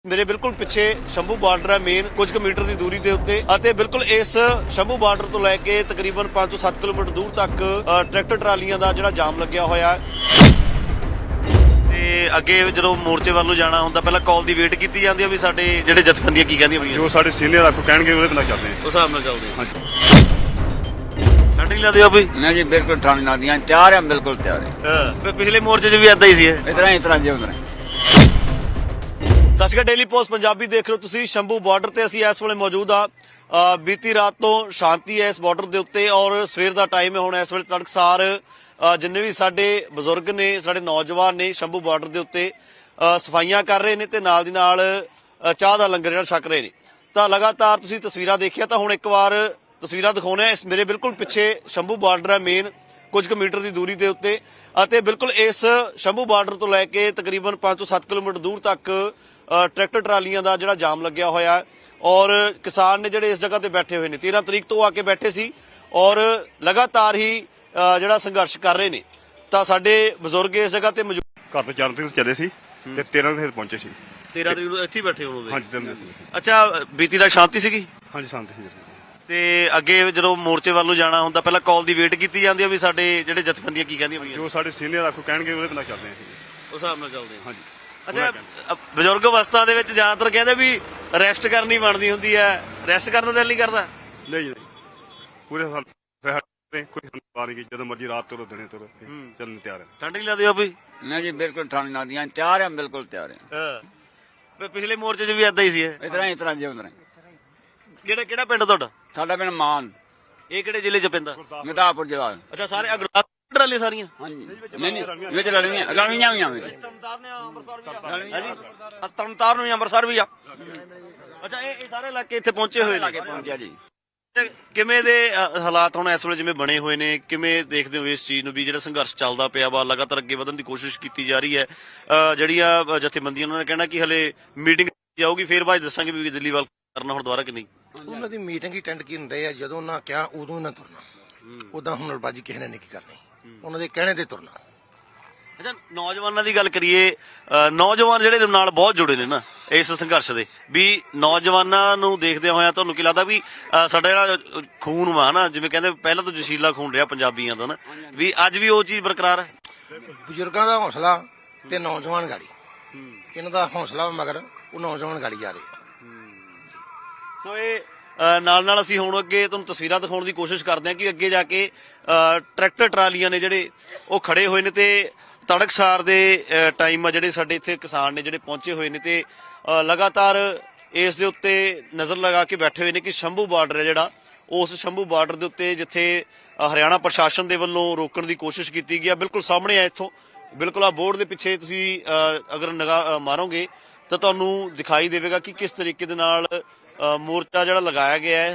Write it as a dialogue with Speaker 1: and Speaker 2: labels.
Speaker 1: ਮੇਰੇ ਬਿਲਕੁਲ ਪਿੱਛੇ ਸ਼ੰਭੂ ਬਾਰਡਰ ਹੈ ਮੇਨ ਕੁਝ ਕੁ ਮੀਟਰ ਦੀ ਦੂਰੀ ਦੇ ਉੱਤੇ ਅਤੇ ਬਿਲਕੁਲ ਇਸ ਸ਼ੰਭੂ ਬਾਰਡਰ ਤੋਂ ਲੈ ਕੇ ਤਕਰੀਬਨ 5 ਤੋਂ 7 ਕਿਲੋਮੀਟਰ ਦੂਰ ਤੱਕ ਟਰੈਕਟਰ ਟਰਾਲੀਆਂ ਦਾ ਜਿਹੜਾ ਜਾਮ ਲੱਗਿਆ ਹੋਇਆ ਹੈ ਤੇ ਅੱਗੇ ਜਦੋਂ ਮੋਰਚੇ ਵੱਲ ਨੂੰ ਜਾਣਾ ਹੁੰਦਾ ਪਹਿਲਾਂ ਕਾਲ ਦੀ ਵੇਟ ਕੀਤੀ ਜਾਂਦੀ ਹੈ ਵੀ ਸਾਡੇ ਜਿਹੜੇ ਜਥੇਬੰਦੀਆਂ ਕੀ ਕਹਿੰਦੀਆਂ ਵੀ
Speaker 2: ਜੋ ਸਾਡੇ ਸੀਨੀਅਰ ਆਗੂ ਕਹਿਣਗੇ ਉਹਦੇ ਨਾਲ ਚੱਲਦੇ
Speaker 1: ਉਸ ਹਿਸਾਬ ਨਾਲ ਚੱਲਦੇ
Speaker 2: ਹਾਂ। ਹਾਂਜੀ
Speaker 1: ਠੰਡ ਨਹੀਂ ਲੱਗਦੀ ਬਈ
Speaker 3: नहीं जी बिल्कुल ठंड लगती है तैयार है बिल्कुल तैयार है
Speaker 1: ਪਿਛਲੇ ਮੋਰਚੇ 'ਚ ਵੀ ਏਦਾਂ ਹੀ ਸੀ ਇਹ
Speaker 3: इतना जी उधर
Speaker 1: ਸਤਿ ਸ਼੍ਰੀ ਅਕਾਲ ਡੇਲੀ ਪੋਸਟ ਪੰਜਾਬੀ ਦੇਖ ਰਹੇ ਹੋ ਤੁਸੀਂ ਸ਼ੰਭੂ ਬਾਰਡਰ ਤੇ ਅਸੀਂ ਇਸ ਵੇਲੇ ਮੌਜੂਦ ਆ ਬੀਤੀ ਰਾਤ ਤੋਂ ਸ਼ਾਂਤੀ ਹੈ ਇਸ ਬਾਰਡਰ ਦੇ ਉੱਤੇ ਔਰ ਸਵੇਰ ਦਾ ਟਾਈਮ ਹੈ ਹੁਣ ਇਸ ਵੇਲੇ ਤੜਕਸਾਰ ਜਿੰਨੇ ਵੀ ਸਾਡੇ ਬਜ਼ੁਰਗ ਨੇ ਸਾਡੇ ਨੌਜਵਾਨ ਨੇ ਸ਼ੰਭੂ ਬਾਰਡਰ ਦੇ ਉੱਤੇ ਸਫਾਈਆਂ ਕਰ ਰਹੇ ਨੇ ਤੇ ਨਾਲ ਦੀ ਨਾਲ ਚਾਹ ਦਾ ਲੰਗਰ ਜਿਹੜਾ ਛਕ ਰਹੇ ਨੇ ਤਾਂ ਲਗਾਤਾਰ ਤੁਸੀਂ ਤਸਵੀਰਾਂ ਦੇਖਿਆ ਤਾਂ ਹੁਣ ਇੱਕ ਵਾਰ ਤਸਵੀਰਾਂ ਦਿਖਾਉਣੇ ਇਸ ਮੇਰੇ ਬਿਲਕੁਲ ਪਿੱਛੇ ਸ਼ੰਭੂ ਬਾਰਡਰ ਹੈ ਮੇਨ ਕੁਝ ਕੁ ਮੀਟਰ ਦੀ ਦੂਰੀ ਦੇ ਉੱਤੇ ਅਤੇ ਬਿਲਕੁਲ ਇਸ ਸ਼ੰਭੂ ਬਾਰਡਰ ਤੋਂ ਲੈ ਕੇ ਤਕਰੀਬਨ 5 ਤੋਂ 7 ਕਿਲੋਮੀਟਰ ਦੂਰ ਤੱਕ ਟਰੈਕਟਰ ਟਰਾਲੀਆਂ ਦਾ ਜਿਹੜਾ ਜਾਮ ਲੱਗਿਆ ਹੋਇਆ ਹੈ ਔਰ ਕਿਸਾਨ ਨੇ ਜਿਹੜੇ ਇਸ ਜਗ੍ਹਾ ਤੇ ਬੈਠੇ ਹੋਏ ਨੇ 13 ਤਰੀਕ ਤੋਂ ਆ ਕੇ ਬੈਠੇ ਸੀ ਔਰ ਲਗਾਤਾਰ ਹੀ ਜਿਹੜਾ ਸੰਘਰਸ਼ ਕਰ ਰਹੇ ਨੇ ਤਾਂ ਸਾਡੇ ਬਜ਼ੁਰਗ ਇਸ ਜਗ੍ਹਾ ਤੇ ਮੌਜੂਦ
Speaker 2: ਘਰ ਤੋਂ 4 ਤਰੀਕ ਚੱਲੇ ਸੀ ਤੇ 13 ਤਰੀਕ ਪਹੁੰਚੇ ਸੀ
Speaker 1: 13 ਤਰੀਕ ਨੂੰ ਇੱਥੇ ਹੀ ਬੈਠੇ ਹੋਣਗੇ
Speaker 2: ਹਾਂਜੀ 13 ਤਰੀਕ
Speaker 1: ਅੱਛਾ ਬੀਤੀ ਦਾ ਸ਼ਾਂਤੀ ਸੀਗੀ
Speaker 2: ਹਾਂਜੀ ਸ਼ਾਂਤੀ ਸੀ
Speaker 1: ਤੇ ਅੱਗੇ ਜਦੋਂ ਮੋਰਚੇ ਵੱਲ ਨੂੰ ਜਾਣਾ ਹੁੰਦਾ ਪਹਿਲਾਂ ਕਾਲ ਦੀ ਵੇਟ ਕੀਤੀ ਜਾਂਦੀ ਹੈ ਵੀ ਸਾਡੇ ਜਿਹੜੇ ਜਥੇਬੰਦੀਆਂ ਕੀ ਕਹਿੰਦੀਆਂ ਵੀ
Speaker 2: ਜੋ ਸਾਡੇ ਸੀਨੀਅਰ ਆਗੂ ਕਹਿਣਗੇ ਉਹਦੇ ਨਾਲ ਚੱਲਦੇ ਹਾਂ
Speaker 1: ਉਸ ਹਿਸਾਬ ਨਾਲ ਚੱਲਦੇ ਹਾਂ
Speaker 2: ਹਾਂਜੀ
Speaker 1: ਅੱਛਾ ਬਜ਼ੁਰਗ ਅਵਸਥਾ ਦੇ ਵਿੱਚ ਜ਼ਿਆਦਾਤਰ ਕਹਿੰਦੇ ਵੀ ਰੈਸਟ ਕਰਨੀ ਬਣਦੀ ਹੁੰਦੀ ਹੈ ਰੈਸਟ ਕਰਨ ਦਾ ਦਿਲ ਨਹੀਂ ਕਰਦਾ
Speaker 2: ਨਹੀਂ ਨਹੀਂ ਪੂਰੇ ਕੋਈ ਹੰਕਾਰ ਨਹੀਂ ਜਦੋਂ ਮਰਜ਼ੀ ਰਾਤ ਤੋਂ ਦਿਨੇ ਤੋਂ ਚੱਲਣ ਤਿਆਰ ਹੈ
Speaker 1: ਠੰਡ ਨਹੀਂ ਲੱਗਦੀ ਬਾਬੀ
Speaker 3: नहीं जी बिल्कुल ठंड लगती है तैयार है बिल्कुल तैयार है
Speaker 1: ਹਾਂ ਪਿਛਲੇ ਮੋਰਚੇ 'ਚ ਵੀ ਏਦਾਂ ਹੀ ਸੀ ਇਹ
Speaker 3: इतना जी उधर
Speaker 1: ਕਿਹੜਾ ਪਿੰਡ ਤੁਹਾਡਾ
Speaker 3: साडा पिंड मान
Speaker 1: ਇਹ ਕਿਹੜੇ ਜ਼ਿਲ੍ਹੇ 'ਚ ਪੈਂਦਾ
Speaker 3: गुरदासपुर जिला
Speaker 1: ਅੱਛਾ ਸਾਰੇ ਅਗਰਾਹ ਟਰਾਲੇ ਸਾਰੀਆਂ
Speaker 3: हाँ जी नहीं विच लड़ियां हुई
Speaker 4: ਤਰਨਤਾਰਨ ਵੀ ਅੰਮ੍ਰਿਤਸਰ ਵੀ ਆ
Speaker 1: ਅੱਛਾ ਇਹ ਸਾਰੇ ਇਲਾਕੇ ਇੱਥੇ ਪਹੁੰਚੇ ਹੋਏ ਨੇ
Speaker 3: पहुंचा जी
Speaker 1: ਕਿਵੇਂ ਦੇ ਹਾਲਾਤ ਹੁਣ ਇਸ ਵੇਲੇ ਜਿਵੇਂ ਬਣੇ ਹੋਏ ਨੇ ਕਿਵੇਂ ਦੇਖਦੇ ਹੋ ਇਸ ਚੀਜ਼ ਨੂੰ ਵੀ ਜਿਹੜਾ ਸੰਘਰਸ਼ ਚੱਲਦਾ ਪਿਆ ਵਾ ਲਗਾਤਾਰ ਅੱਗੇ ਵਧਣ ਦੀ ਕੋਸ਼ਿਸ਼ ਕੀਤੀ ਜਾ ਰਹੀ ਹੈ ਜਿਹੜੀਆਂ ਜਥੇਬੰਦੀਆਂ ਉਹਨਾਂ ਨੇ ਕਹਿਣਾ ਕਿ ਹਲੇ ਮੀਟਿੰਗ ਜਾਊਗੀ ਫੇਰ ਬਾਅਦ ਦੱਸਾਂਗੇ ਵੀ ਦਿੱਲੀ ਵੱਲ ਕਰਨਾ ਹੁਣ ਦੁਬਾਰਾ ਕਿ ਨਹੀਂ
Speaker 5: ਉਹਨਾਂ ਦੀ ਮੀਟਿੰਗ ਹੀ ਅਟੈਂਡ ਕਰਨ ਰਹੇ ਆ ਜਦੋਂ ਉਹਨਾਂ ਕਿਹਾ ਉਦੋਂ ਹੀ ਨਾ ਤੁਰਨਾ ਉਦਾਂ ਹੁਨਰਬਾਜ਼ੀ ਕਿਸੇ ਨੇ ਨਹੀਂ ਕਰਨੀ ਉਹਨਾਂ ਦੇ ਕਹਿਣੇ ਤੇ ਤੁਰਨਾ
Speaker 1: ਅੱਛਾ ਨੌਜਵਾਨਾਂ ਦੀ ਗੱਲ ਕਰੀਏ ਨੌਜਵਾਨ ਜਿਹੜੇ ਨਾਲ ਬਹੁਤ ਜੁੜੇ ਨੇ ਨਾ ਇਸ ਸੰਘਰਸ਼ ਦੇ ਵੀ ਨੌਜਵਾਨਾਂ ਨੂੰ ਦੇਖਦੇ ਹੋਇਆ ਤੁਹਾਨੂੰ ਕੀ ਲੱਗਦਾ ਵੀ ਸਾਡਾ ਜਿਹੜਾ ਖੂਨ ਵਾ ਨਾ ਜਿਵੇਂ ਕਹਿੰਦੇ ਪਹਿਲਾਂ ਤੋਂ ਜੋਸ਼ੀਲਾ ਖੂਨ ਰਿਹਾ ਪੰਜਾਬੀਆਂ ਦਾ ਨਾ ਵੀ ਅੱਜ ਵੀ ਉਹ ਚੀਜ਼ ਬਰਕਰਾਰ ਹੈ
Speaker 5: ਬਜ਼ੁਰਗਾਂ ਦਾ ਹੌਸਲਾ ਤੇ ਨੌਜਵਾਨ ਗਾੜੀ ਇਹਨਾਂ ਦਾ ਹੌਸਲਾ ਮਗਰ ਉਹ ਨੌਜਵਾਨ ਗਾੜੀ ਜਾ ਰਹੇ
Speaker 1: ਸੋ ਇਹ ਨਾਲ ਅਸੀਂ ਹੁਣ ਅੱਗੇ ਤੁਹਾਨੂੰ ਤਸਵੀਰਾਂ ਦਿਖਾਉਣ ਦੀ ਕੋਸ਼ਿਸ਼ ਕਰਦੇ ਹਾਂ ਕਿ ਅੱਗੇ ਜਾ ਕੇ ਟਰੈਕਟਰ ਟਰਾਲੀਆਂ ਨੇ ਜਿਹੜੇ ਉਹ ਖੜੇ ਹੋਏ ਨੇ ਤੇ ਤੜਕਸਾਰ ਦੇ ਟਾਈਮ ਆ ਜਿਹੜੇ ਸਾਡੇ ਇੱਥੇ ਕਿਸਾਨ ਨੇ ਜਿਹੜੇ ਪਹੁੰਚੇ ਹੋਏ ਨੇ ਤੇ ਲਗਾਤਾਰ ਇਸ ਦੇ ਉੱਤੇ ਨਜ਼ਰ ਲਗਾ ਕੇ ਬੈਠੇ ਹੋਏ ਨੇ ਕਿ ਸ਼ੰਭੂ ਬਾਰਡਰ ਹੈ ਜਿਹੜਾ ਉਸ ਸ਼ੰਭੂ ਬਾਰਡਰ ਦੇ ਉੱਤੇ ਜਿੱਥੇ ਹਰਿਆਣਾ ਪ੍ਰਸ਼ਾਸਨ ਦੇ ਵੱਲੋਂ ਰੋਕਣ ਦੀ ਕੋਸ਼ਿਸ਼ ਕੀਤੀ ਗਈ ਆ ਬਿਲਕੁਲ ਸਾਹਮਣੇ ਆ ਇੱਥੋਂ ਬਿਲਕੁਲ ਆ ਬੋਰਡ ਦੇ ਪਿੱਛੇ ਤੁਸੀਂ ਅਗਰ ਨਿਗਾਹ ਮਾਰੋਗੇ ਤਾਂ ਤੁਹਾਨੂੰ ਦਿਖਾਈ ਦੇਵੇਗਾ ਕਿ ਕਿਸ ਤਰੀਕੇ ਦੇ ਨਾਲ ਮੋਰਚਾ ਜਿਹੜਾ ਲਗਾਇਆ ਗਿਆ ਹੈ